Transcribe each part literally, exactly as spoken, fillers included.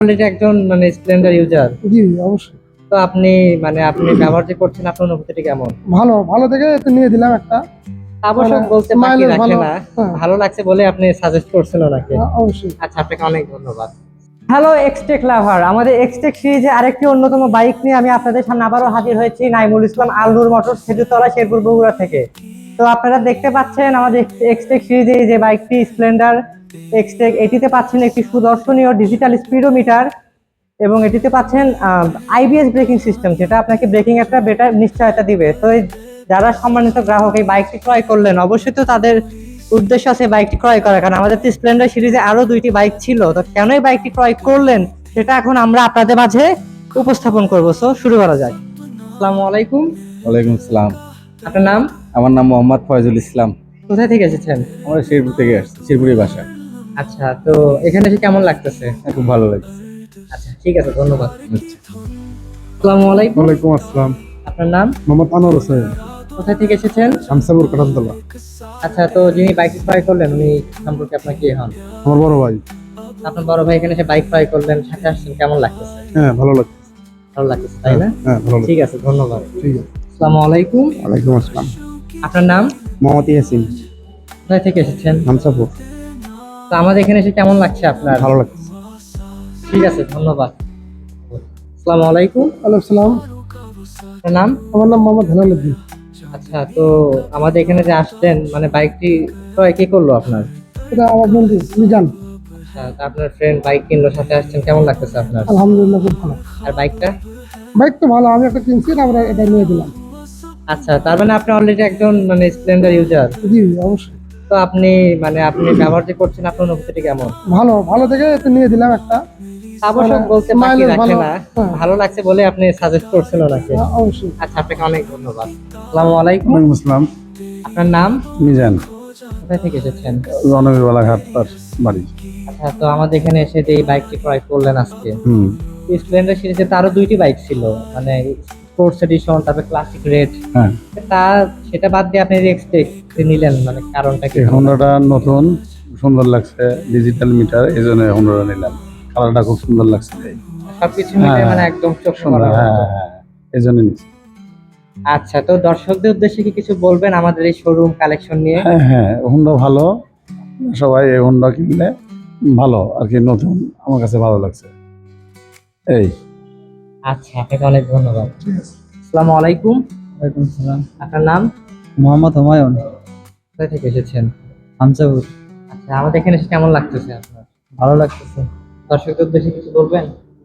Already একজন মানে Splendor user. জি অবশ্যই। তো আপনি মানে আপনি ব্যবহার যে করছেন আপনার অনুভূতিটা কেমন? ভালো ভালো দেখে তো নিয়ে দিলাম একটা। অবশ্য মানে বলতে বাকি মাইলেজ রাখে ভালো। না। হ্যাঁ, ভালো লাগছে বলে আপনি সাজেস্ট করছেন ওনাকে। হ্যাঁ, অবশ্যই। আচ্ছা, আপনাকে অনেক ধন্যবাদ। হ্যালো এক্সটেক লাভার, আমাদের এক্সটেক সিরিজে আরেকটি অন্যতম বাইক নিয়ে আমি আপনাদের সামনে আবারও হাজির হয়েছি নাইমুল ইসলাম আলনুর মোটরস খেজুরতলা শেরপুর বগুড়া থেকে। তো আপনারা দেখতে পাচ্ছেন আমাদের এক্সটেক সিরিজে যে বাইকটি স্প্লেন্ডার এক্সটেক, এটিতে পাচ্ছেন একটি সুদর্শনীয় ডিজিটাল স্পিডোমিটার এবং এটিতে পাচ্ছেন আইবিএস ব্রেকিং সিস্টেম, যেটা আপনাকে ব্রেকিং একটা বেটার নিশ্চয়তা দিবে। তো এই যারা সম্মানিত গ্রাহক এই বাইকটি ক্রয় করলেন, অবশ্যই তো তাদের উদ্দেশ্য আছে বাইকটি ক্রয় করা, কারণ আমাদের তো স্প্লেন্ডার সিরিজে আরো দুইটি বাইক ছিল। তো কেন এই বাইকটি ক্রয় করলেন সেটা এখন আমরা আপনাদের মাঝে উপস্থাপন করবো। সো শুরু করা যায়। আসসালামু আলাইকুম। ওয়ালাইকুম আসসালাম। আপনার নাম? আমার নাম মোহাম্মদ ফয়জুল ইসলাম। কোথায় থেকে এসেছেন? আমরা শেরপুর থেকে আসছি, শেরপুরের বাসা। আচ্ছা, তো এখানে এসে কেমন লাগতেছে? খুব ভালো লাগছে। আচ্ছা, ঠিক আছে, ধন্যবাদ। আচ্ছা। আসসালামু আলাইকুম। ওয়ালাইকুম আসসালাম। আপনার নাম? মোহাম্মদ আনোয়ার হোসেন, কোথায় থেকে এসেছেন? শামসাপুর কাটালতলা। আচ্ছা, তো যিনি বাইক ক্রয় করলেন উনি সম্পর্কে আপনার কি হন? আমার বড় ভাই। আপনার বড় ভাই এখানে এসে বাইক ক্রয় করলেন, সাথে আসছেন, কেমন লাগতেছে? হ্যাঁ, ভালো লাগছে। ভালো লাগতেছে, তাই না? হ্যাঁ, ভালো লাগছে। ঠিক আছে, ধন্যবাদ। ঠিক আছে। আসসালামু আলাইকুম। ওয়ালাইকুম আসসালাম। আপনার নাম? মোহাম্মদ ইয়াসিন, কোথায় থেকে এসেছেন? শামসাপুর। তো আমাদের এখানে এসে কেমন লাগছে আপনার? ভালো লাগছে। ঠিক আছে, ধন্যবাদ। আসসালামু আলাইকুম। ওয়ালাইকুম সালাম। আপনার নাম? আমার নাম মোহাম্মদ হেলালুদ্দিন। আচ্ছা, তো আমাদের এখানে যে আসলেন মানে বাইকটি ক্রয় কে করলো আপনার? এটা আমার বন্ধু মিজান। আচ্ছা, তো আপনার ফ্রেন্ড বাইক কিনলো, সাথে আসছেন, কেমন লাগতেছে আপনার? আলহামদুলিল্লাহ খুব ভালো। আর বাইকটা? বাইক তো ভালো, আমি একটা কিনছি, আমরা এটা নিয়ে দিলাম। আচ্ছা, তার মানে আপনি অলরেডি একজন মানে স্প্লেন্ডার ইউজার। জি অবশ্যই। তো আপনি মানে আপনি ব্যবহার যে করছেন আপনার অনুভূতিটা কেমন? ভালো ভালো দেখে তো নিয়ে দিলাম একটা। অবশ্য বলতে বাকি মাইলেজ রাখে ভালো। না। হ্যাঁ। ভালো লাগছে বলে আপনি সাজেস্ট করছেন ওনাকে। হ্যাঁ, অবশ্যই। আচ্ছা, আপনাকে অনেক ধন্যবাদ। আসসালামু আলাইকুম। ওয়ালাইকুম আসসালাম। আপনার নাম? মিজান, কোথায় থেকে এসেছেন? রণবীরবালা ঘাট তার বাড়ি। আচ্ছা, তো আমাদের এখানে এসে যে এই বাইকটি ক্রয় করলেন আজকে, হুম। স্প্লেন্ডার সিরিজে তো আরো দুইটি বাইক ছিল, মানে স্পোর্টস এডিশন, তারপরে ক্লাসিক রেড। হ্যাঁ, তা সেটা বাদ দিয়ে আপনি এক্সপেক্ট নিলেন, মানে কারণটা কি? এই হোন্ডাটা নতুন, সুন্দর লাগছে, ডিজিটাল মিটার, এই জন্য হোন্ডাটা নিলাম। কালারটা খুব সুন্দর লাগছে। সবকিছু মিলে হ্যাঁ, মানে একদম চোখ সুন্দর, করার হ্যাঁ মতো। হ্যাঁ, এই জন্য নিচ্ছি। আচ্ছা, তো দর্শকদের উদ্দেশ্যে কি কিছু বলবেন আমাদের এই শোরুম কালেকশন নিয়ে? হ্যাঁ হ্যাঁ, হোন্ডা ভালো, সবাই এই হোন্ডা কিনলে ভালো আর কি, নতুন, আমার কাছে ভালো লাগছে। এই। আচ্ছা, আপনাকে অনেক ধন্যবাদ। আসসালামু আলাইকুম। ওয়ালাইকুম সালাম। আপনার নাম? মোহাম্মদ হুমায়ুন, কোথায় থেকে এসেছেন? হামসাপুর। আচ্ছা, আমাদের এখানে এসে কেমন লাগতেছে আপনার? ভালো লাগতেছে। দর্শকদের উদ্দেশ্যে কিছু বলবেন?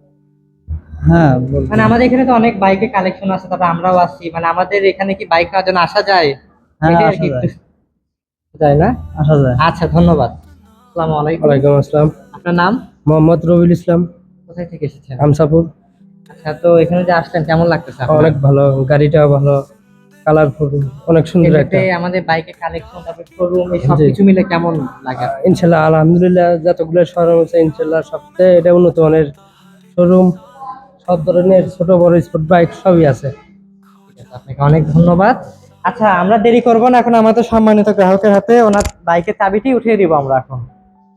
হ্যাঁ বলবো। মানে আমাদের এখানে তো অনেক বাইকের কালেকশন আছে, তারপর আমরাও আসছি, মানে আমাদের এখানে কি বাইক নেওয়ার জন্য আসা যায়? হ্যাঁ, এটাই আর আসা কি যায়। একটু- যায় না? আসা যায়। আচ্ছা, ধন্যবাদ। আসসালামু আলাইকুম। ওয়ালাইকুম আসসালাম। আপনার নাম? মোহাম্মদ রবিউল ইসলাম, কোথায় থেকে এসেছেন? হামসাপুর। আচ্ছা, তো এখানে যে আসলেন কেমন লাগতেছে আপনার? অনেক ভালো, গাড়িটা ভালো, কালারফুল, অনেক সুন্দর একটা। এমনিতে আমাদের বাইকের কালেকশন, তারপর শোরুম, এই সব জি। কিছু মিলে কেমন লাগে আপনার? ইনশাল্লাহ আলহামদুলিল্লাহ, যতগুলো শোরুম আছে ইনশাল্লাহ সবচেয়ে এটা উন্নত মানের শোরুম। সব ধরনের ছোট বড় স্পোর্ট বাইক সবই আছে। ঠিক আছে, আপনাকে অনেক ধন্যবাদ। আচ্ছা, আমরা দেরি করব না, এখন আমাদের সম্মানিত গ্রাহকের হাতে ওনার বাইকের চাবিটি উঠিয়ে দিব আমরা এখন।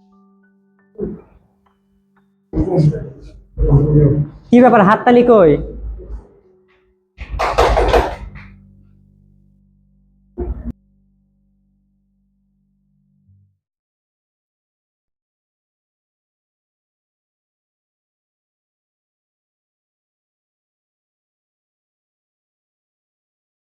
কি ব্যাপার, হাততালি কই?